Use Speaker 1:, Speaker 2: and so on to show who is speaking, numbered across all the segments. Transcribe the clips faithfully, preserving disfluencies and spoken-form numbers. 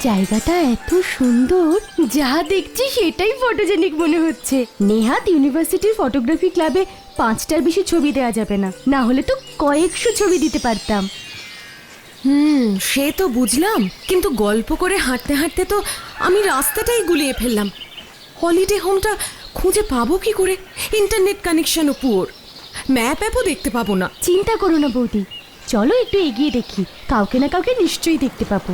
Speaker 1: জায়গাটা এত সুন্দর, যা দেখছি সেটাই ফটোজেনিক মনে হচ্ছে। নেহাত ইউনিভার্সিটির ফটোগ্রাফি ক্লাবে পাঁচটার বেশি ছবি দেওয়া যাবে না, না হলে তো কয়েকশো ছবি দিতে পারতাম।
Speaker 2: হুম, সে তো বুঝলাম, কিন্তু গল্প করে হাঁটতে হাঁটতে তো আমি রাস্তাটাই গুলিয়ে ফেললাম। হলিডে হোমটা খুঁজে পাবো কি করে? ইন্টারনেট কানেকশনও পুয়োর, ম্যাপ অ্যাপও দেখতে পাবো না।
Speaker 1: চিন্তা করো না বৌদি, চলো একটু এগিয়ে দেখি, কাউকে না কাউকে নিশ্চয়ই দেখতে পাবো।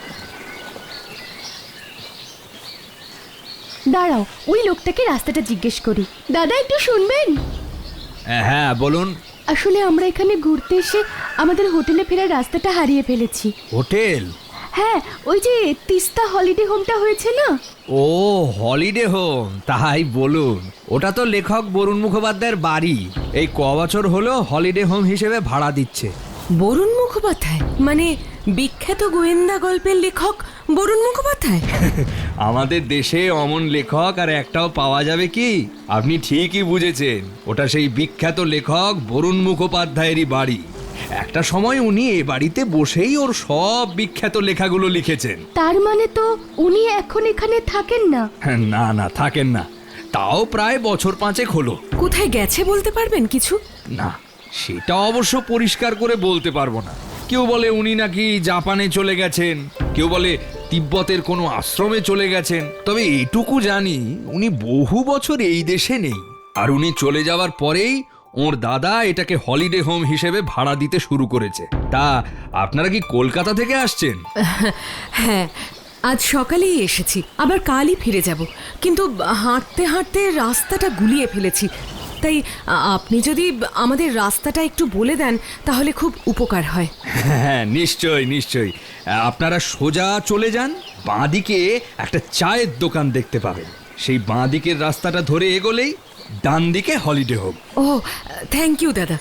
Speaker 1: দাঁড়াও, ওই লোকটাকে রাস্তাটা জিজ্ঞেস করি। দাদা একটু শুনবেন?
Speaker 3: হ্যাঁ বলুন।
Speaker 1: আসলে আমরা এখানে ঘুরতে এসে আমাদের হোটেলে ফেরার রাস্তাটা হারিয়ে ফেলেছি।
Speaker 3: হোটেল?
Speaker 1: হ্যাঁ, ওই যে তিস্তা হলিডে হোমটা হয়েছে না?
Speaker 3: ও হলিডে হোম, তাই বলুন। ওটা তো লেখক বরুণ মুখোপাধ্যায়ের বাড়ি। এই ক বছর হলো হলিডে হোম হিসেবে ভাড়া দিচ্ছে।
Speaker 2: বরুণ মুখোপাধ্যায় মানে বিখ্যাত গোয়েন্দা গল্পের লেখক বরুণ মুখোপাধ্যায়?
Speaker 3: আমাদের দেশে অমন লেখক আর একটাও পাওয়া যাবে কি? আপনি ঠিকই বুঝেছেন, ওটা সেই বিখ্যাত লেখক বরুণ মুখোপাধ্যায়েরই বাড়ি। একটা সময় উনি এ বাড়িতে বসেই ওর সব বিখ্যাত লেখাগুলো লিখেছেন।
Speaker 1: তার মানে তো উনি এখন এখানে থাকেন না?
Speaker 3: না না, থাকেন না, তাও প্রায় বছর পাঁচেক হলো।
Speaker 2: কোথায় গেছে বলতে পারবেন কিছু?
Speaker 3: না, সেটা অবশ্য পরিষ্কার করে বলতে পারবো না। কেউ বলে উনি নাকি জাপানে চলে গেছেন, কেউ বলে তিব্বতের কোনো আশ্রমে চলে গেছেন। তবে এটুকু জানি উনি বহু বছর এই দেশে নেই। আর উনি চলে যাওয়ার পরেই ওর দাদা এটাকে হলিডে হোম হিসেবে ভাড়া দিতে শুরু করেছে। তা আপনারা কি কলকাতা থেকে আসছেন?
Speaker 2: হ্যাঁ, আজ সকালেই এসেছি, আবার কালই ফিরে যাব। কিন্তু হাঁটতে হাঁটতে রাস্তাটা গুলিয়ে ফেলেছি। তাই আপনি যদি আমাদের রাস্তাটা একটু বলে দেন তাহলে খুব উপকার হয়।
Speaker 3: হ্যাঁ নিশ্চয় নিশ্চয়। আপনারা সোজা চলে যান, বাঁদিকে একটা চায়ের দোকান দেখতে পাবেন। সেই বাঁদিকের রাস্তাটা ধরে এগোলেই ডান দিকে হলিডে হোম।
Speaker 2: ও থ্যাংক ইউ দাদা।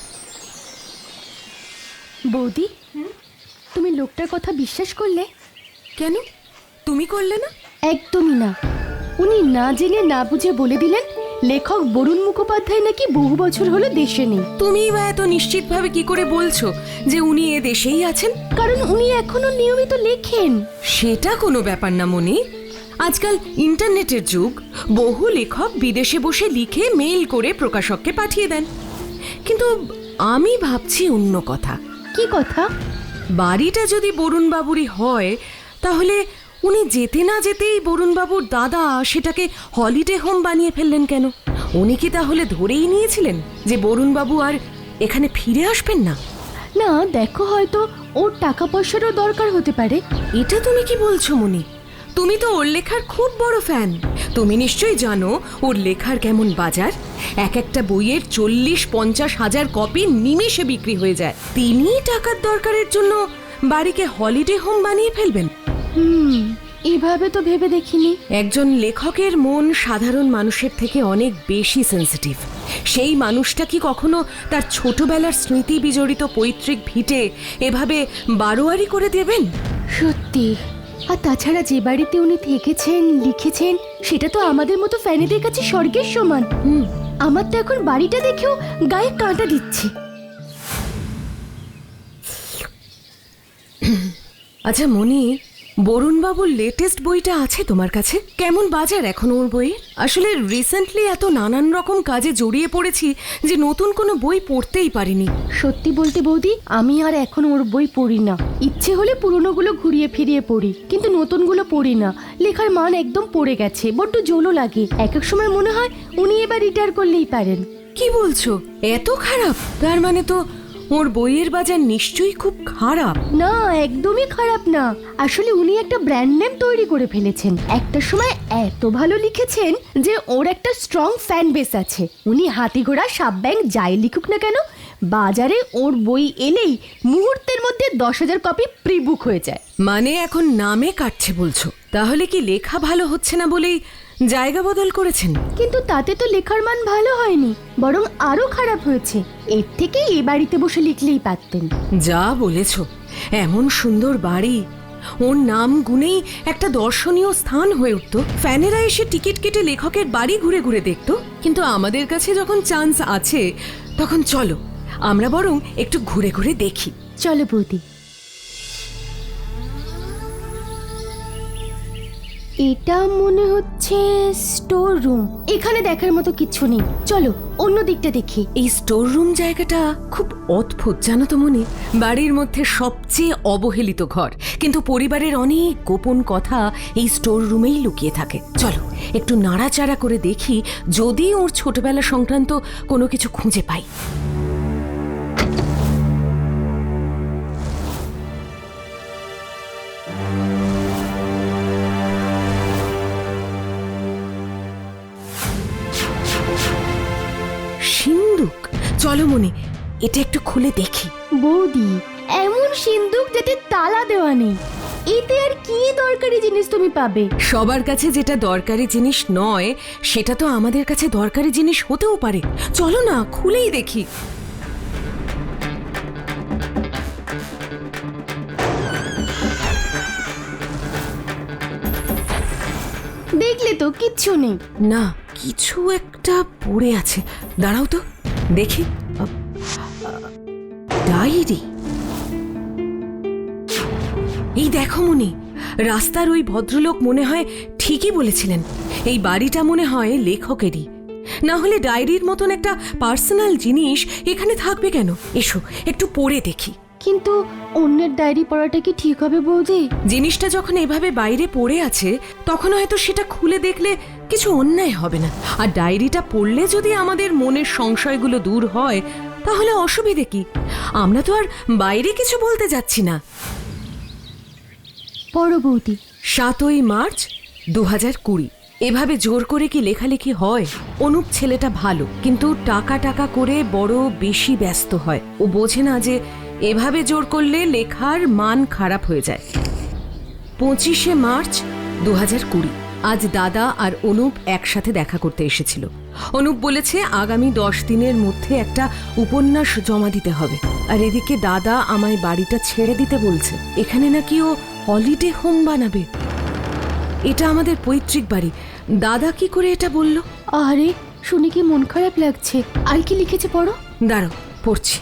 Speaker 1: বৌদি, তুমি লোকটার কথা বিশ্বাস করলে?
Speaker 2: কেন, তুমি করলে না?
Speaker 1: একদমই না। উনি না জেনে না বুঝে বলে দিলেন লেখক বরুণ মুখোপাধ্যায় নাকি বহু বছর হলো দেশে নেই।
Speaker 2: তুমি বা এত নিশ্চিতভাবে কি করে বলছো যে উনি এ দেশেই আছেন?
Speaker 1: কারণ উনি এখনো নিয়মিত লেখেন।
Speaker 2: সেটা কোনো ব্যাপার না মনি। আজকাল ইন্টারনেটের যুগ, বহু লেখক বিদেশে বসে লিখে মেইল করে প্রকাশককে পাঠিয়ে দেন। কিন্তু আমি ভাবছি অন্য কথা।
Speaker 1: কি কথা?
Speaker 2: বাড়িটা যদি বরুণ বাবুরই হয়, তাহলে উনি যেতে না যেতেই বরুণ বাবুর দাদা সেটাকে হলিডে হোম বানিয়ে ফেললেন কেন? উনি কি তাহলে ধরেই নিয়েছিলেন যে বরুণ বাবু আর এখানে ফিরে আসবেন না?
Speaker 1: না, দেখো, হয়তো ওর টাকা পয়সারও দরকার হতে পারে।
Speaker 2: এটা তুমি কি বলছো মনি? তুমি তো ওর লেখার খুব বড় ফ্যান। তুমি নিশ্চয়ই জানো ওর লেখার কেমন বাজার। এক একটা বইয়ের চল্লিশ পঞ্চাশ হাজার কপি নিমেষে বিক্রি হয়ে যায়। তিনি টাকার দরকারের জন্য বাড়িকে হলিডে হোম বানিয়ে ফেলবেন?
Speaker 1: হুম, এভাবে তো ভেবে দেখিনি।
Speaker 2: একজন লেখকের মন সাধারণ মানুষের থেকে অনেক বেশি সেন্সিটিভ। সেই মানুষটা কি কখনো তার ছোটবেলার স্মৃতি বিজড়িত পৈতৃক ভিটে এভাবে বারোয়ারি করে দেবেন?
Speaker 1: সত্যি। আর তাছাড়া যে বাড়িতে উনি থেকেছেন, লিখেছেন, সেটা তো আমাদের মতো ফ্যানেদের কাছে স্বর্গের সমান। হুম, আমার তো এখন বাড়িটা দেখেও গায়ে কাঁটা দিচ্ছে।
Speaker 2: আচ্ছা মনি, বরুণ বাবুর লেটেস্ট বইটা আছে তোমার কাছে? কেমন বাজার এখন ওর বইয়ের? আসলে রিসেন্টলি এত নানান রকম কাজে জড়িয়ে পড়েছি যে নতুন কোনো বই পড়তেই পারিনি।
Speaker 1: সত্যি বলতে বৌদি, আমি আর এখন ওর বই পড়ি না। ইচ্ছে হলে পুরনোগুলো ঘুরিয়ে ফিরিয়ে পড়ি, কিন্তু নতুনগুলো পড়ি না। লেখার মান একদম পড়ে গেছে, বড্ড জোলো লাগে। এক এক সময় মনে হয় উনি এবার রিটায়ার করলেই পারেন।
Speaker 2: কি বলছো, এত খারাপ? তার মানে তো ওর বইয়ের বাজার নিশ্চয়ই খুব খারাপ।
Speaker 1: না, একদমই খারাপ না। আসলে উনি একটা ব্র্যান্ড নেম তৈরি করে ফেলেছেন। একটা সময় এত ভালো লিখেছেন যে ওর একটা স্ট্রং ফ্যান বেস আছে। উনি হাতি ঘোড়া সাপ ব্যাং যাই লিখুক না কেন, বাজারে ওর বই এলেই মুহূর্তের মধ্যে দশ হাজার কপি প্রি বুক হয়ে যায়।
Speaker 2: মানে এখন নামে কাটছে বলছো? তাহলে কি লেখা ভালো হচ্ছে না বলেই জায়গা বদল করেছেন?
Speaker 1: কিন্তু তাতে তো লেখার মান ভালো হয়নি, বরং আরো খারাপ হয়েছে। এর থেকে এই বাড়িতে বসে লিখলেই পারতেন।
Speaker 2: যা বলেছো, এমন সুন্দর বাড়ি, ওর নাম গুনেই একটা দর্শনীয় স্থান হয়ে উঠতো। ফ্যানেরা এসে টিকিট কেটে লেখকের বাড়ি ঘুরে ঘুরে দেখতো। কিন্তু আমাদের কাছে যখন চান্স আছে, তখন চলো আমরা বরং একটু ঘুরে ঘুরে দেখি।
Speaker 1: চলো বৌদি। এটা মনে হচ্ছে স্টোর রুম। এখানে দেখার মতো কিছু নেই, চলো অন্য দিকটা দেখি।
Speaker 2: এই স্টোর রুম জায়গাটা খুব অদ্ভুত জানো তো মনি। বাড়ির মধ্যে সবচেয়ে অবহেলিত ঘর, কিন্তু পরিবারের অনেক গোপন কথা এই স্টোর রুমেই লুকিয়ে থাকে। চলো একটু নাড়াচাড়া করে দেখি, যদি ওর ছোটবেলা সংক্রান্ত কোনো কিছু খুঁজে পাই। সিন্দুক, চলো মনি এটা একটু খুলে দেখি।
Speaker 1: বৌদি, এমন সিন্দুক যেতে তালা দেওয়া নেই, এতে আর কি দরকারি জিনিস তুমি পাবে?
Speaker 2: সবার কাছে যেটা দরকারি জিনিস নয়, সেটা তো আমাদের কাছে দরকারি জিনিস হতেও পারে। চলো না খুলেই দেখি।
Speaker 1: দেখলে তো কিচ্ছু নেই।
Speaker 2: না, কিছু একটা পড়ে আছে, দাঁড়াও তো দেখি। আ, আ, ডায়েরি। এই দেখো মনি, রাস্তার ওই ভদ্রলোক মনে হয় ঠিকই বলেছিলেন, এই বাড়িটা মনে হয় লেখকেরই। না হলে ডায়েরির মতন একটা পার্সোনাল জিনিস এখানে থাকবে কেন? এসো একটু পড়ে দেখি।
Speaker 1: কিন্তু অন্যের ডায়েরি পড়াটা কি ঠিক হবে বৌদি?
Speaker 2: জিনিসটা যখন এভাবে বাইরে পড়ে আছে, তখন হয়তো সেটা খুলে দেখলে কিছু অন্যায় হবে না। আর ডায়েরিটা পড়লে যদি আমাদের মনের সংশয়গুলো দূর হয়, তাহলে অসুবিধে কি? আমরা তো আর বাইরে কিছু বলতে যাচ্ছি না।
Speaker 1: পড়ো বৌদি।
Speaker 2: সাতই মার্চ দু হাজার কুড়ি। এভাবে জোর করে কি লেখালেখি হয়? অনুপ ছেলেটা ভালো, কিন্তু টাকা টাকা করে বড় বেশি ব্যস্ত হয়। ও বোঝে না যে এভাবে জোর করলে লেখার মান খারাপ হয়ে যায়। পঁচিশে মার্চ দু হাজার কুড়ি। আজ দাদা আর অনুপ একসাথে দেখা করতে এসেছিল। অনুপ বলেছে আগামী দশ দিনের মধ্যে একটা উপন্যাস জমা দিতে হবে। আর এদিকে দাদা আমায় বাড়িটা ছেড়ে দিতে বলছে। এখানে নাকি ও হলিডে হোম বানাবে। এটা আমাদের পৈতৃক বাড়ি। দাদা কি করে এটা বলল?
Speaker 1: আরে শুনে কি মন খারাপ লাগছে। আর কি লিখেছে পড়ো।
Speaker 2: দাঁড়াও পড়ছি।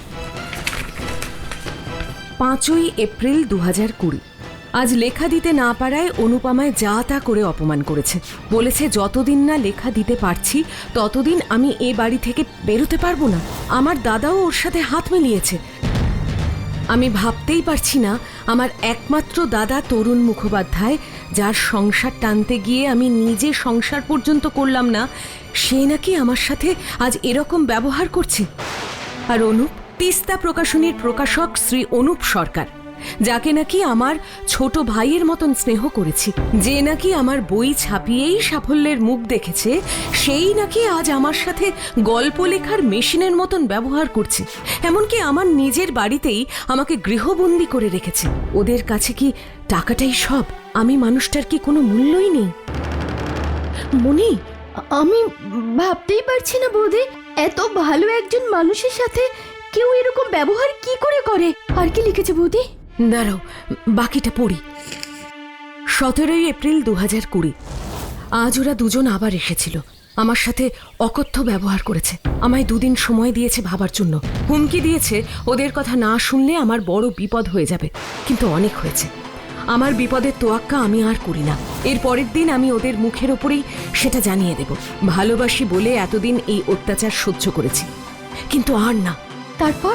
Speaker 2: পাঁচই এপ্রিল দু হাজার কুড়ি। আজ লেখা দিতে না পারায় অনুপমায় যা তা করে অপমান করেছে। বলেছে যতদিন না লেখা দিতে পারছি ততদিন আমি এ বাড়ি থেকে বেরোতে পারবো না। আমার দাদাও ওর সাথে হাত মিলিয়েছে। আমি ভাবতেই পারছি না আমার একমাত্র দাদা তরুণ মুখোপাধ্যায়, যার সংসার টানতে গিয়ে আমি নিজে সংসার পর্যন্ত করলাম না, সে নাকি আমার সাথে আজ এরকম ব্যবহার করছে। আর অনুপ তিস্তা প্রকাশনীর প্রকাশক শ্রী অনুপ সরকার, যাকে নাকি আমার ছোট ভাইয়ের মতন স্নেহ করেছি, যে নাকি আমার বই ছাপিয়েই সাফল্যের মুখ দেখেছে, সেই নাকি আজ আমার সাথে গল্প লেখার মেশিনের মতন ব্যবহার করছে। এমনকি আমার নিজের বাড়িতেই আমাকে গৃহবন্দী করে রেখেছে। ওদের কাছে কি টাকাটাই সব? আমি মানুষটার কি কোনো মূল্যই নেই? মনি,
Speaker 1: আমি ভাবতেই পারছি না বৌদি, এত ভালো একজন মানুষের সাথে কেউ এরকম ব্যবহার কি করে করে। আর কি লিখেছে বৌদি?
Speaker 2: দাঁড়াও বাকিটা পড়ি। সতেরোই এপ্রিল দু হাজার কুড়ি। আজ ওরা দুজন আবার এসেছিল। আমার সাথে অকথ্য ব্যবহার করেছে। আমায় দুদিন সময় দিয়েছে ভাবার জন্য। হুমকি দিয়েছে ওদের কথা না শুনলে আমার বড় বিপদ হয়ে যাবে। কিন্তু অনেক হয়েছে। আমার বিপদের তোয়াক্কা আমি আর করি না। এর পরের দিন আমি ওদের মুখের ওপরেই সেটা জানিয়ে দেব। ভালোবাসি বলে এতদিন এই অত্যাচার সহ্য করেছি, কিন্তু আর না।
Speaker 1: তারপর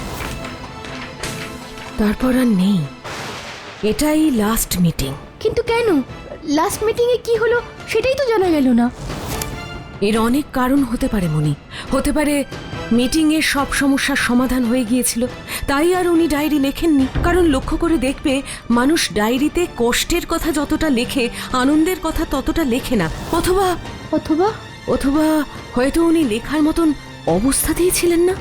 Speaker 2: তারপর আর নেই। এটাই লাস্ট মিটিং।
Speaker 1: কিন্তু কেন? লাস্ট মিটিং এ কি হলো সেটাই তো জানা গেল না।
Speaker 2: এর অনেক কারণ হতে পারে মনি। হতে পারে মিটিং এ সব সমস্যার সমাধান হয়ে গিয়েছিল, তাই আর উনি ডায়েরি লেখেননি। কারণ লক্ষ্য করে দেখবে, মানুষ ডায়েরিতে কষ্টের কথা যতটা লেখে, আনন্দের কথা ততটা লেখে না। অথবা
Speaker 1: অথবা
Speaker 2: অথবা হয়তো উনি লেখার মতন অবস্থাতেই ছিলেন না।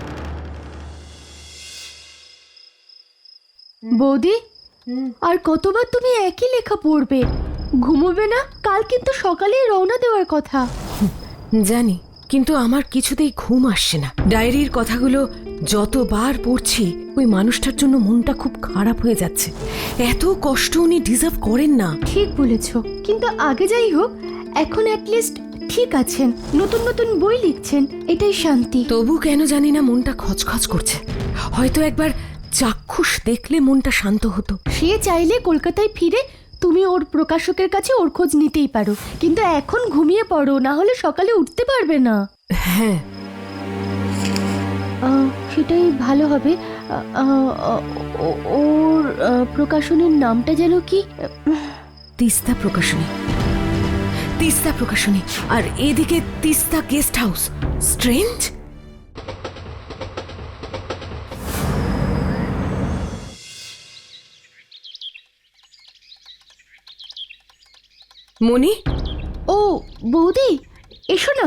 Speaker 1: বৌদি, আর কতবার তুমি একই লেখা পড়বে? ঘুমোবে না? কাল কিন্তু সকালেই রওনা দেওয়ার কথা।
Speaker 2: জানি, কিন্তু আমার কিছুতেই ঘুম আসছে না। ডায়েরির কথাগুলো যতবার পড়ছি, ওই মানুষটার জন্য মনটা খুব খারাপ হয়ে যাচ্ছে। এত কষ্ট উনি ডিজার্ভ করেন না।
Speaker 1: ঠিক বলেছ, কিন্তু আগে যাই হোক, এখন অ্যাটলিস্ট ঠিক আছেন, নতুন নতুন বই লিখছেন, এটাই শান্তি।
Speaker 2: তবু কেন জানি না মনটা খচখচ করছে। হয়তো একবার চাক্ষুষ দেখলে মনটা শান্ত হতো।
Speaker 1: সে চাইলে কলকাতায় ফিরে তুমি ওর প্রকাশকের কাছে ওর খোঁজ নিতেই পারো, কিন্তু এখন ঘুমিয়ে পড়ো, না হলে সকালে উঠতে পারবে না।
Speaker 2: হ্যাঁ,
Speaker 1: আহ, সেটাই ভালো হবে। আহ, আহ, ও- ওর আহ, প্রকাশনীর নামটা যেন কি?
Speaker 2: তিস্তা প্রকাশনী, তিস্তা প্রকাশনী, আর এদিকে Tista guest house. Strange. Moni,
Speaker 1: ও বৌদি, এসো না।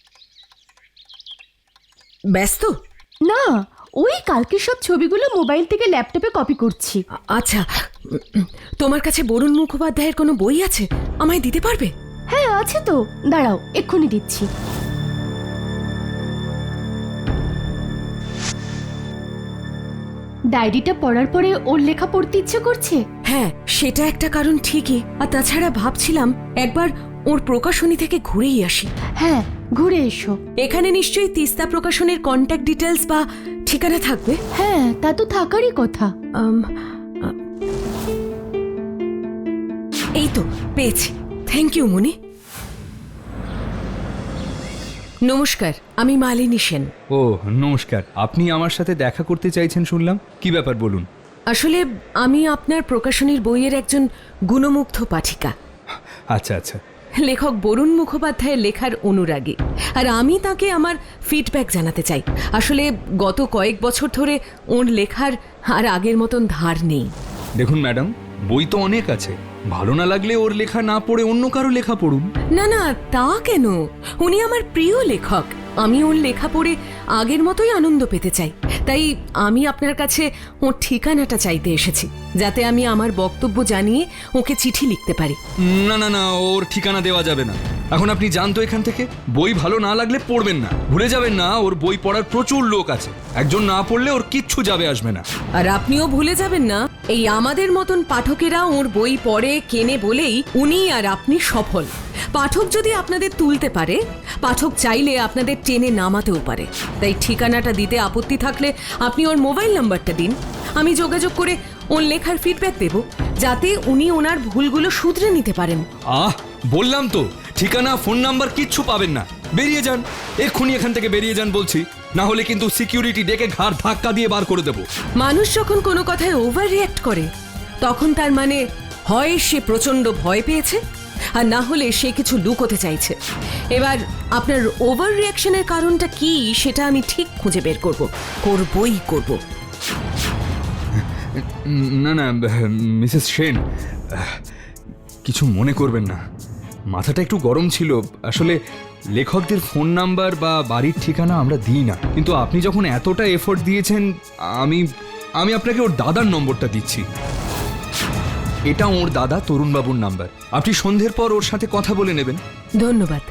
Speaker 2: ব্যস্ত?
Speaker 1: না, ওই কালকে সব ছবিগুলো মোবাইল থেকে ল্যাপটপে কপি করছি।
Speaker 2: আ- আচ্ছা, উম, তোমার কাছে বরুণ মুখোপাধ্যায়ের কোনো বই আছে? আমায় দিতে পারবে?
Speaker 1: হ্যাঁ আছে তো, দাঁড়াও এক্ষুনি দিচ্ছি। ডায়েরিটা পড়ার পরে ওর লেখা পড়তে ইচ্ছে করছে।
Speaker 2: হ্যাঁ, সেটা একটা কারণ ঠিকই। আর তাছাড়া ভাবছিলাম একবার ওর প্রকাশনী থেকে ঘুরেই আসি।
Speaker 1: হ্যাঁ, ঘুরে এসো।
Speaker 2: এখানে নিশ্চয়ই তিস্তা প্রকাশনের কন্ট্যাক্ট ডিটেলস বা ঠিকানা থাকবে।
Speaker 1: হ্যাঁ, তা তো থাকারই কথা।
Speaker 2: আম, আ, এই তো পেয়েছি। Thank you Moni. নমস্কার, আমি মালিনী সেন।
Speaker 3: ও নমস্কার, আপনি আমার সাথে দেখা করতে চাইছেন শুনলাম, কি ব্যাপার বলুন।
Speaker 2: আসলে আমি আপনার প্রকাশনীর বইয়ের একজন গুণমুগ্ধ পাঠিকা।
Speaker 3: আচ্ছা আচ্ছা,
Speaker 2: লেখক বরুণ মুখোপাধ্যায়ের লেখার অনুরাগী, আর আমি তাকে আমার ফিডব্যাক জানাতে চাই। আসলে গত কয়েক বছর ধরে ওর লেখার আর আগের মতন ধার নেই।
Speaker 3: দেখুন ম্যাডাম, বই তো অনেক আছে, ভালো না লাগলে ওর লেখা না পড়ে অন্য কারো লেখা পড়ুন।
Speaker 2: না না, তা কেন? উনি আমার প্রিয় লেখক। আমি ওর লেখা পড়ে আগের মতোই আনন্দ পেতে চাই। তাই আমি আপনার কাছে ওর ঠিকানাটা চাইতে এসেছি, যাতে আমি আমার বক্তব্য জানিয়ে ওকে চিঠি লিখতে পারি।
Speaker 3: না না না, ওর ঠিকানা দেওয়া যাবে না। এখন আপনি যান তো এখান থেকে। বই ভালো না লাগলে পড়বেন না, ভুলে যাবেন না ওর বই পড়ার প্রচুর লোক আছে। একজন না পড়লে ওর কিচ্ছু যাবে আসবে না।
Speaker 2: আর আপনিও ভুলে যাবেন না, এই আমাদের মতন পাঠকেরা ওর বই পড়ে কেনে বলেই উনি আর আপনি সফল। পাঠক যদি আপনাদের তুলতে পারে, পাঠক চাইলে আপনাদের টেনে নামাতেও পারে। তাই ঠিকানাটা দিতে আপত্তি থাকলে আপনি ওর মোবাইল নাম্বারটা দিন, আমি যোগাযোগ করে ওর লেখার ফিডব্যাক দেব, যাতে উনি ওনার ভুলগুলো শুধরে নিতে পারেন।
Speaker 3: আহ, বললাম তো, ঠিকানা ফোন নাম্বার কিচ্ছু পাবেন না। বেরিয়ে যান, এক্ষুনি এখান থেকে বেরিয়ে যান বলছি, না হলে কিন্তু সিকিউরিটি ডেকে ঘাড় ধাক্কা দিয়ে বার করে দেবো।
Speaker 2: মানুষ যখন কোনো কথায় ওভার রিঅ্যাক্ট করে, তখন তার মানে হয় সে প্রচণ্ড ভয় পেয়েছে, আর না হলে সে কিছু লুকোতে চাইছে। এবার আপনার ওভার রিঅ্যাকশনের কারণটা কি সেটা আমি ঠিক খুঁজে বের করব, করবই করব।
Speaker 3: না না মিসেস সেন, কিছু মনে করবেন না, মাথাটা একটু গরম ছিল। আসলে লেখকদের ফোন নাম্বার বা বাড়ির ঠিকানা আমরা দিই না, কিন্তু আপনি যখন এতটা এফোর্ট দিয়েছেন, আমি আমি আপনাকে ওর দাদার নম্বরটা দিচ্ছি। এটা ওর দাদা তরুণবাবুর নাম্বার, আপনি সন্ধ্যের পর ওর সাথে কথা বলে নেবেন।
Speaker 2: ধন্যবাদ।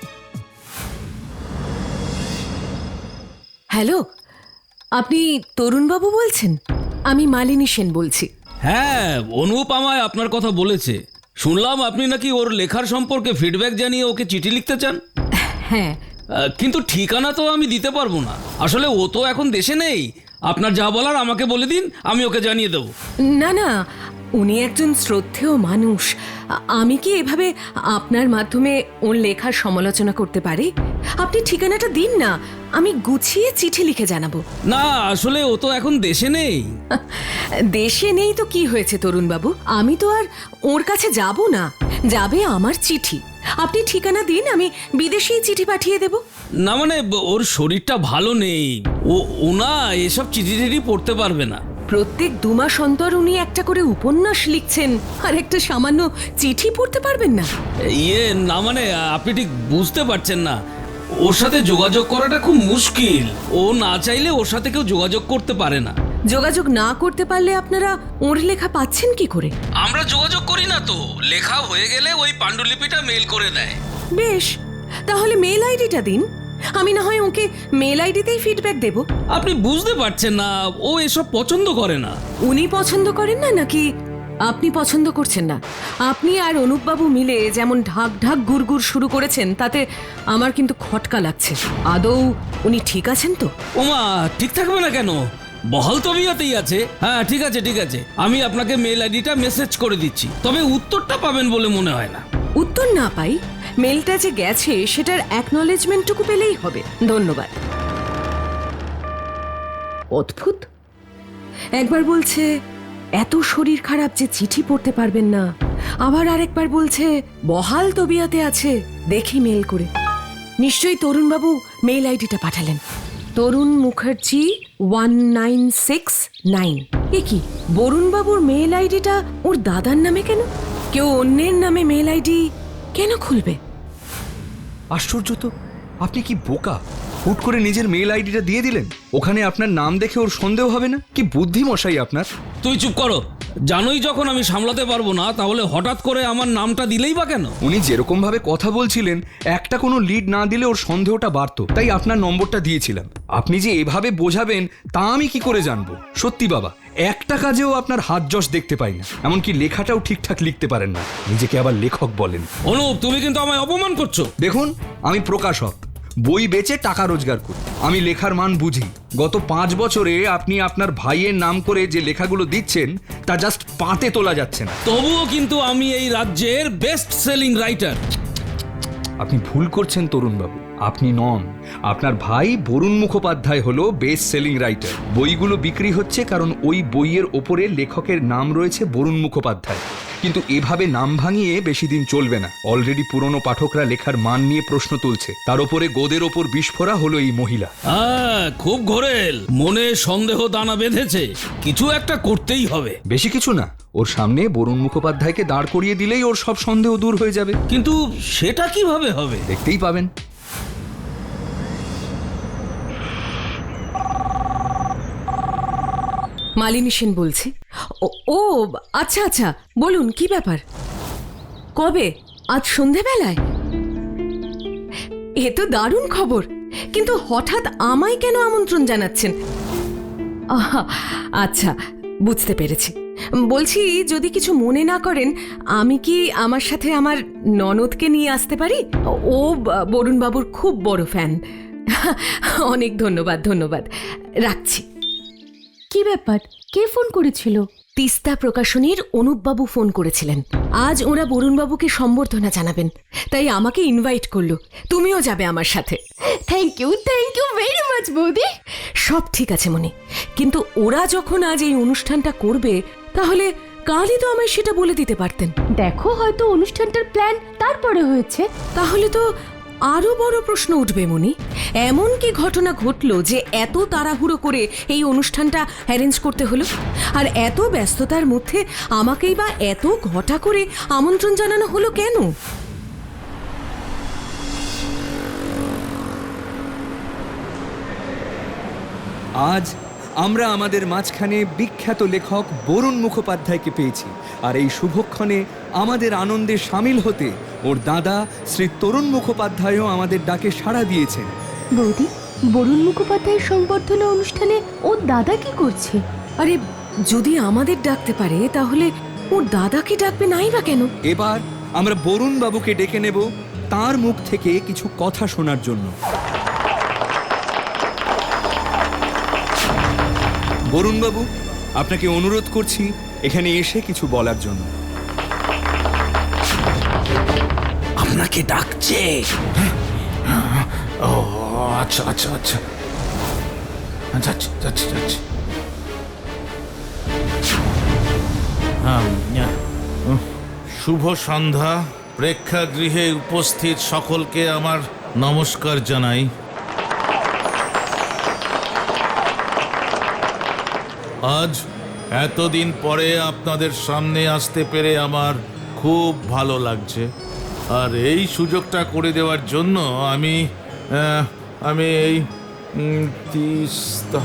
Speaker 2: হ্যালো, আপনি তরুণবাবু বলছেন? আমি মালিনী সেন বলছি।
Speaker 4: হ্যাঁ, অনুপ আমায় আপনার কথা বলেছে। শুনলাম আপনি নাকি ওর লেখার সম্পর্কে ফিডব্যাক জানিয়ে ওকে চিঠি লিখতে চান।
Speaker 2: হ্যাঁ,
Speaker 4: আহ, কিন্তু ঠিকানা তো আমি দিতে পারবো না, আসলে ও তো এখন দেশে নেই। আপনার যা বলার আমাকে বলে দিন, আমি ওকে জানিয়ে দেবো।
Speaker 2: না না, উনি একজন শ্রদ্ধেয় মানুষ। আ- আমি কি এভাবে আপনার মাধ্যমে ওর লেখার সমালোচনা করতে পারি? আপনি ঠিকানাটা দিন না, আমি গুছিয়ে চিঠি লিখে জানাবো।
Speaker 4: না, আসলে ও তো এখন দেশে নেই।
Speaker 2: দেশে নেই তো কি হয়েছে তরুণবাবু, আমি তো আর ওর কাছে যাব না, যাবে আমার চিঠি। আপনি ঠিকানা দিন, আমি বিদেশেই চিঠি পাঠিয়ে দেব।
Speaker 4: না মানে ব- ওর শরীরটা ভালো নেই, ও ওনা এসব চিঠি টিঠি পড়তে পারবে না।
Speaker 2: প্রত্যেক দু মাস অন্তর উনি একটা করে উপন্যাস লিখছেন, আর একটা সামান্য চিঠি পড়তে পারবেন না?
Speaker 4: ইয়ে না মানে আপনি ঠিক বুঝতে পারছেন না, ওর সাথে যোগাযোগ করাটা খুব মুশকিল। ও না চাইলে ওর সাথে কেউ যোগাযোগ করতে পারে না।
Speaker 2: যোগাযোগ না করতে পারলে আপনারা ওর লেখা পাচ্ছেন কি করে?
Speaker 4: আমরা যোগাযোগ করি না তো, লেখা হয়ে গেলে ওই পাণ্ডুলিপিটা মেল করে দেয়।
Speaker 2: বেশ, তাহলে মেল আইডিটা দিন, আমি না হয় ওকে মেল আইডিতেই ফিডব্যাক দেব।
Speaker 4: আপনি বুঝতে পারছেন না, ও এসব পছন্দ করে না।
Speaker 2: উনি পছন্দ করেন না নাকি আপনি পছন্দ করছেন না? আপনি আর অনুপবাবু মিলে যেমন ঢাক ঢাক গুড়গুড় শুরু করেছেন, তাতে আমার কিন্তু খটকা লাগছে। আদৌ উনি ঠিক আছেন তো?
Speaker 4: ওমা, ঠিক থাকবে না কেন? বহাল তবিয়তেই আছে। হ্যাঁ ঠিক আছে ঠিক আছে, আমি আপনাকে মেল আইডিটা মেসেজ করে দিচ্ছি, তবে উত্তরটা পাবেন বলে মনে হয় না।
Speaker 2: উত্তর না পাই, মেলটা যে গেছে সেটার অ্যাকনলেজমেন্টটুকু পেলেই হবে। ধন্যবাদ। অদ্ভুত, একবার বলছে এত শরীর খারাপ যে চিঠি পড়তে পারবেন না, আবার আরেকবার বলছে বহাল তবিয়তে আছে। দেখি মেল করে, নিশ্চয়ই তরুণবাবু মেল আইডিটা পাঠালেন। Tarun Mukherjee one nine six nine. এ কি, বরুণবাবুর মেল আইডিটা ওর দাদার নামে কেন? কেউ অন্যের নামে মেল আইডি কেন খুলবে?
Speaker 3: আশ্চর্য তো, আপনি কি বোকা! হুট করে নিজের মেল আইডিটা দিয়ে দিলেন। ওখানে আপনার নাম দেখে ওর সন্দেহ হবে না? কি বুদ্ধি মশাই আপনার!
Speaker 4: তুই চুপ করো, জানোই যখন আমি সামলাতে পারবো না, তাহলে হঠাৎ করে আমার নামটা দিলেই বা কেন?
Speaker 3: উনি যেরকম ভাবে কথা বলছিলেন, একটা কোনো লিড না দিলে ওর সন্দেহটা বাড়তো, তাই আপনার নম্বরটা দিয়েছিলাম। আপনি যে এভাবে বোঝাবেন তা আমি কি করে জানবো? সত্যি বাবা, একটা কাজেও আপনার হাত যশ দেখতে পাই না, এমনকি লেখাটাও ঠিকঠাক লিখতে পারেন না, নিজেকে আবার লেখক বলেন।
Speaker 4: অনুপ, তুমি কিন্তু আমায় অপমান করছো।
Speaker 3: দেখুন, আমি প্রকাশক, বই বেচে টাকা রোজগার করি, আমি লেখার মান বুঝি। গত পাঁচ বছরে আপনি আপনার ভাইয়ের নাম করে যে লেখাগুলো দিচ্ছেন তা জাস্ট পাতে তোলা যাচ্ছে না।
Speaker 4: তবুও কিন্তু আমি এই রাজ্যের বেস্ট সেলিং রাইটার।
Speaker 3: আপনি ভুল করছেন তরুণবাবু, আপনি নন। আপনার ভাই বরুণ মুখোপাধ্যায় হলো বেস্ট সেলিং রাইটার। বইগুলো বিক্রি হচ্ছে কারণ ওই বইয়ের ওপরে লেখকের নাম রয়েছে বরুণ মুখোপাধ্যায়। কিন্তু এভাবে নাম ভাঙিয়ে বেশি দিন চলবে না। অলরেডি পুরনো পাঠকরা লেখার মান নিয়ে প্রশ্ন তুলছে, তার উপরে গোদের ওপর বিস্ফোরা হলো এই মহিলা।
Speaker 4: হ্যাঁ, খুব ঘোরেল, মনে সন্দেহ দানা বেঁধেছে, কিছু একটা করতেই হবে।
Speaker 3: বেশি কিছু না, ওর সামনে বরুণ মুখোপাধ্যায়কে দাঁড় করিয়ে দিলেই ওর সব সন্দেহ দূর হয়ে যাবে।
Speaker 4: কিন্তু সেটা কিভাবে হবে?
Speaker 3: দেখতেই পাবেন।
Speaker 2: মালিনী সেন বলছি। ও ও, আচ্ছা আচ্ছা, বলুন কি ব্যাপার? কবে? আজ সন্ধেবেলায়? এ তো দারুণ খবর, কিন্তু হঠাৎ আমায় কেন আমন্ত্রণ জানাচ্ছেন? আহা, আচ্ছা, বুঝতে পেরেছি। বলছি, যদি কিছু মনে না করেন, আমি কি আমার সাথে আমার ননদকে নিয়ে আসতে পারি? ও বরুণবাবুর খুব বড় ফ্যান। অনেক ধন্যবাদ ধন্যবাদ, রাখছি।
Speaker 1: কি ব্যাপার, কে ফোন করেছিল?
Speaker 2: তিস্তা প্রকাশনীর অনুপবাবু ফোন করেছিলেন। আজ ওরা বরুণবাবুকে সম্বর্ধনা জানাবেন, তাই আমাকে ইনভাইট করলো। তুমিও যাবে আমার সাথে।
Speaker 1: Thank you, thank you very much বৌদি।
Speaker 2: সব ঠিক আছে মনি, কিন্তু ওরা যখন আজ এই অনুষ্ঠানটা করবে, তাহলে কালই তো আমায় সেটা বলে দিতে পারতেন।
Speaker 1: দেখো, হয়তো অনুষ্ঠানটার প্ল্যান তারপরে হয়েছে।
Speaker 2: তাহলে তো আরো বড় প্রশ্ন উঠবে মনি, এমন কি ঘটনা ঘটলো যে এত তাড়াহুড়ো করে এই অনুষ্ঠানটা অ্যারেঞ্জ করতে হলো? আর এত ব্যস্ততার মধ্যে আমাকেই বা এত ঘটা করে আমন্ত্রণ জানানো হলো কেন?
Speaker 3: আজ আমরা আমাদের মাঝখানে বিখ্যাত লেখক বরুণ মুখোপাধ্যায়কে পেয়েছি, আর এই শুভক্ষণে আমাদের আনন্দে সামিল হতে ওর দাদা শ্রী তরুণ মুখোপাধ্যায়ও আমাদের ডাকে সাড়া দিয়েছেন।
Speaker 1: বৌদি, বরুণ মুখোপাধ্যায়ের সংবর্ধনা অনুষ্ঠানে ওর দাদা কি করছে?
Speaker 2: আরে, যদি আমাদের ডাকতে পারে, তাহলে ওর দাদাকে ডাকবে নাই বা কেন?
Speaker 3: এবার আমরা বরুণ বাবুকে ডেকে নেব তার মুখ থেকে কিছু কথা শোনার জন্য। বরুণ বাবু, আপনাকে অনুরোধ করছি এখানে এসে কিছু বলার জন্য।
Speaker 4: আপনাকে ডাকছে।
Speaker 5: ও আচ্ছা আচ্ছা আচ্ছা, যাচ্ছি যাচ্ছি যাচ্ছি। শুভ সন্ধ্যা। প্রেক্ষাগৃহে উপস্থিত সকলকে আমার নমস্কার জানাই। আজ এতদিন পরে আপনাদের সামনে আসতে পেরে আমার খুব ভালো লাগছে, আর এই সুযোগটা করে দেওয়ার জন্য আমি আহ, আমি এই উম, তিস্তা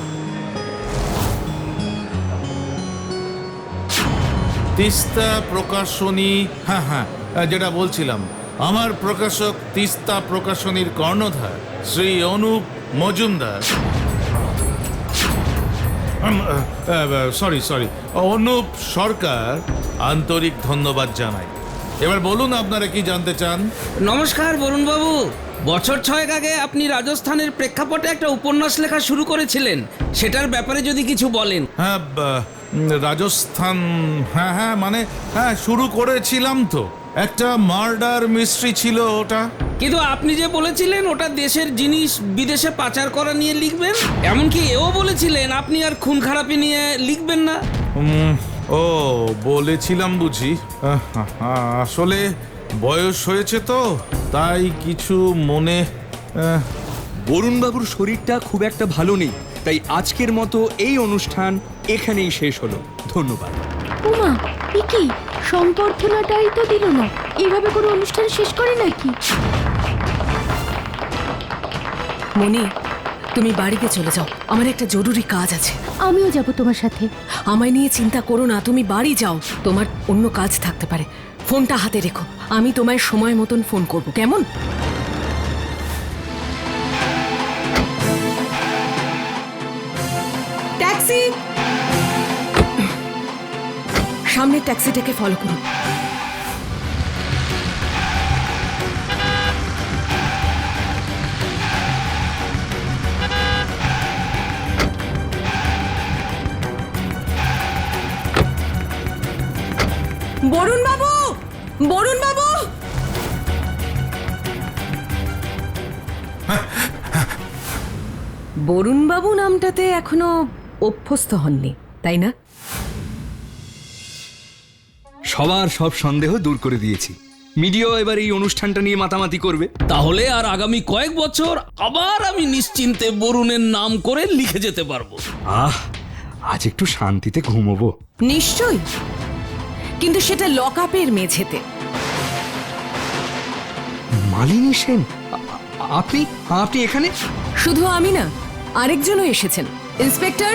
Speaker 5: তিস্তা প্রকাশনী, হ্যাঁ হ্যাঁ যেটা বলছিলাম, আমার প্রকাশক তিস্তা প্রকাশনীর কর্ণধার শ্রী অনুপ মজুমদার, সরি সরি অনুপ সরকার, আন্তরিক ধন্যবাদ জানাই। এবার বলুন আপনারা কি জানতে চান?
Speaker 4: নমস্কার বরুণ বাবু, বছর ছয়েক আগে আপনি রাজস্থানের প্রেক্ষাপটে একটা উপন্যাস লেখা শুরু করেছিলেন, সেটার ব্যাপারে যদি কিছু বলেন।
Speaker 5: হ্যাঁ, বা- উম, রাজস্থান, হ্যাঁ হ্যাঁ মানে হ্যাঁ শুরু করেছিলাম তো। একটা মার্ডার মিস্ট্রি ছিল ওটা।
Speaker 4: কিন্তু আপনি যে বলেছিলেন ওটা দেশের জিনিস বিদেশে পাচার করা নিয়ে লিখবেন, এমনকি এও বলেছিলেন আপনি আর খুন খারাপি নিয়ে লিখবেন না।
Speaker 5: উম, ও বলেছিলাম বুঝি। আহ, আসলে বয়স হয়েছে তো, তাই কিছু মনে আহ,
Speaker 6: বরুণবাবুর শরীরটা খুব একটা ভালো নেই, তাই আজকের মতো এই অনুষ্ঠান এখানেই শেষ হলো। ধন্যবাদ।
Speaker 1: উমা, এ কি সম্বর্ধনাটাই তো দিল না, এইভাবে কোনো অনুষ্ঠান শেষ করে নাকি?
Speaker 2: মনি, তুমি বাড়িতে চলে যাও, আমার একটা জরুরি কাজ আছে।
Speaker 1: আমিও যাব তোমার সাথে।
Speaker 2: আমায় নিয়ে চিন্তা করো না, তুমি বাড়ি যাও, তোমার অন্য কাজ থাকতে পারে। ফোনটা হাতে রেখো, আমি তোমায় সময় মতন ফোন করব, কেমন? ট্যাক্সি! সামনের ট্যাক্সিটাকে ফলো করুন। বরুণ বাবু, বরুণ বাবু! বরুণ বাবু নামটাতে এখনো অভ্যস্ত হননি, তাই না?
Speaker 6: সবার সব সন্দেহ দূর করে দিয়েছি। মিডিয়াও এবার এই অনুষ্ঠানটা নিয়ে মাতামাতি করবে।
Speaker 4: তাহলে আর আগামী কয়েক বছর আবার আমি নিশ্চিন্তে বরুণের নাম করে লিখে যেতে পারবো।
Speaker 6: আহ, আজ একটু শান্তিতে ঘুমোবো।
Speaker 2: নিশ্চয়ই, কিন্তু সেটা লকআপের মেঝেতে।
Speaker 6: মালিনী সেন, আ- আপনি আপনি এখানে?
Speaker 2: শুধু আমি না, আরেকজনও এসেছেন। ইন্সপেক্টর!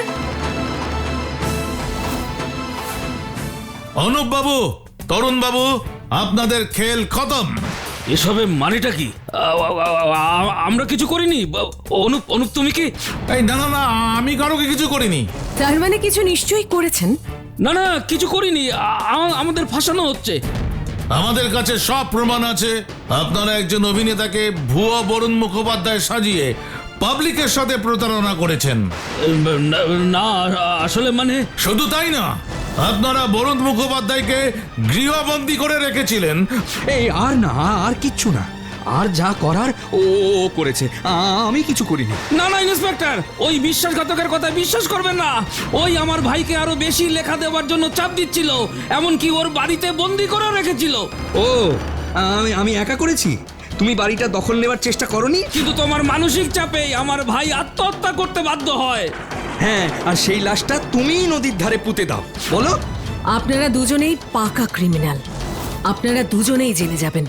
Speaker 5: অনুপ বাবু, তরুণ বাবু, আপনাদের খেল খতম।
Speaker 4: এসবে মানেটা কি? আ- আ- আ- আ- আমরা কিছু করিনি। বা- অনুপ অনুপ তুমি কি?
Speaker 5: এই না না না, আমি কারোকে কিছু করিনি।
Speaker 2: তার মানে কিছু নিশ্চয়ই করেছেন।
Speaker 4: না না, কিছু করিনি। আ- আ- আমাদের ফাঁসানো হচ্ছে।
Speaker 5: আমাদের কাছে সব প্রমাণ আছে। আপনারা একজন অভিনেতাকে ভুয়া বরুণ মুখোপাধ্যায় সাজিয়ে পাবলিকের সাথে প্রতারণা করেছেন।
Speaker 4: না, না আসলে মানে
Speaker 5: শুধু তাই না, আপনারা বরুণ মুখোপাধ্যায়কে গৃহবন্দী করে রেখেছিলেন।
Speaker 6: এই আর না, আর কিচ্ছু না। আর যা করার ও ও করেছে, আ- আমি কিছু করিনি।
Speaker 4: না না ইন্সপেক্টর, ওই বিশ্বাসঘাতকের কথা বিশ্বাস করবেন না। ওই আমার ভাইকে আরো বেশি লেখা দেওয়ার জন্য চাপ দিচ্ছিল, এমনকি ওর বাড়িতে বন্দি করে রেখেছিল।
Speaker 6: ও, আমি আমি একা করেছি? তুমি বাড়িটা দখল নেওয়ার চেষ্টা করনি?
Speaker 4: কিন্তু তোমার মানসিক চাপেই আমার ভাই আত্মহত্যা করতে বাধ্য হয়।
Speaker 6: হ্যাঁ, আর সেই লাশটা তুমিই নদীর ধারে পুঁতে দাও। বলো।
Speaker 2: আপনারা দুজনেই পাকা ক্রিমিনাল, আপনারা দুজনেই জেলে যাবেন।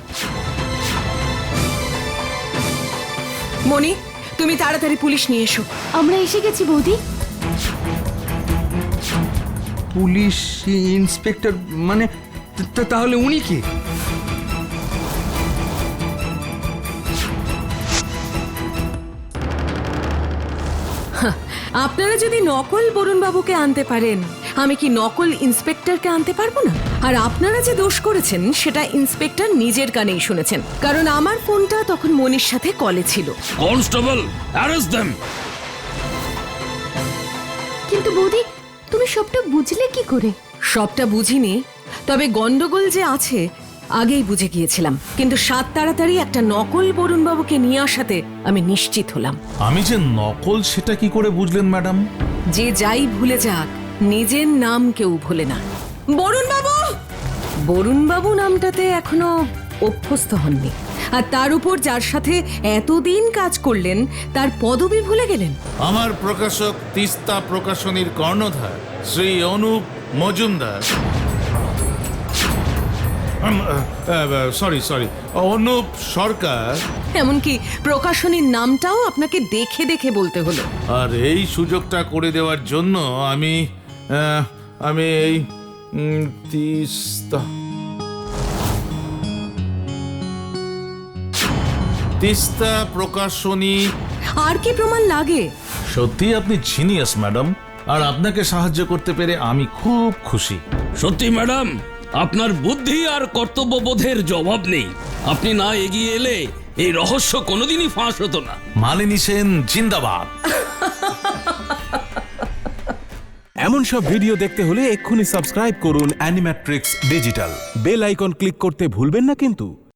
Speaker 2: মনি, তুমি তাড়াতাড়ি পুলিশ নিয়ে এসো।
Speaker 1: আমরা এসে গেছি বৌদি।
Speaker 6: পুলিশ ইন্সপেক্টর মানে তা- তাহলে উনি কি?
Speaker 2: আপনারা যদি নকল বরুণ বাবুকে আনতে পারেন, আমি কি নকল ইন্সপেক্টরকে আনতে পারবো না? আর আপনারা যে দোষ করেছেন সেটা ইন্সপেক্টর নিজের কানেই শুনেছেন, কারণ আমার ফোনটা তখন মনির সাথে কলে ছিল।
Speaker 4: Constable, arrest them.
Speaker 1: কিন্তু বৌদি, তুমি সবটা বুঝলে কি করে?
Speaker 2: সবটা বুঝিনি, তবে গন্ডগোল যে আছে আগেই বুঝে গিয়েছিলাম। কিন্তু সাত তাড়াতাড়ি একটা নকল বরুণ বাবুকে নিয়ে আসাতে আমি নিশ্চিত হলাম।
Speaker 5: আমি যে নকল সেটা কি করে বুঝলেন ম্যাডাম?
Speaker 2: যে যাই ভুলে যাক, নিজের নাম কেউ ভুলে না। বরুণ বাবু! বরুণ বাবু নামটাতে এখনো অভ্যস্ত হননি, আর তার উপর যার সাথে এতদিন কাজ করলেন তার পদবি ভুলে গেলেন।
Speaker 5: আমার প্রকাশক তিস্তা প্রকাশনীর কর্ণধার শ্রী অনুপ মজুমদার। Sorry sorry Anup Sarkar.
Speaker 2: এমনকি প্রকাশনীর নামটাও আপনাকে দেখে দেখে বলতে হলো।
Speaker 5: আর এই সুযোগটা করে দেওয়ার জন্য আমি আহ, আমি এই উম, তিস্তা তিস্তা প্রকাশনী।
Speaker 2: আর কি প্রমাণ লাগে?
Speaker 5: সত্যি আপনি জিনিয়াস ম্যাডাম, আর আপনাকে সাহায্য করতে পেরে আমি খুব খুশি।
Speaker 4: সত্যি ম্যাডাম, আপনার বুদ্ধি আর কর্তব্যবোধের জবাব নেই। আপনি না এগিয়ে এলে এই রহস্য কোনোদিনই ফাঁস হতো না।
Speaker 5: মালিনী সেন জিন্দাবাদ।
Speaker 7: এমন সব ভিডিও দেখতে হলে এক্ষুনি সাবস্ক্রাইব করুন Animatrix digital. Bell icon click করতে ভুলবেন না কিন্তু।